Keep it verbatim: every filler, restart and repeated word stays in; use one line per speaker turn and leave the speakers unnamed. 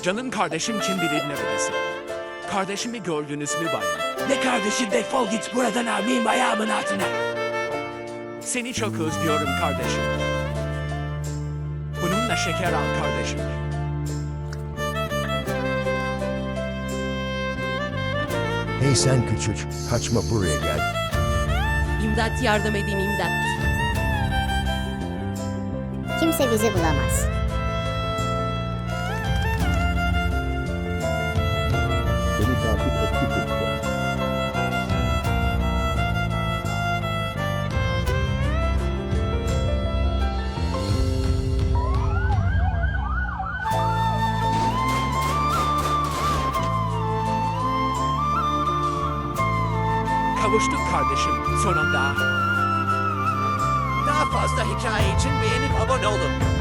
Canım kardeşim kim bilir neredesin? Kardeşimi gördünüz mü bayan?
Ne kardeşim, defol git buradan, almayayım ayağımın altına.
Seni çok özlüyorum kardeşim. Bununla şeker al kardeşim.
Hey sen küçük, kaçma buraya gel.
İmdat, yardım edin, imdat.
Kimse bizi bulamaz.
Beni takip etti çocuklar.
Kavuştuk kardeşim sonunda.
Daha fazla hikaye için beğenip abone olun.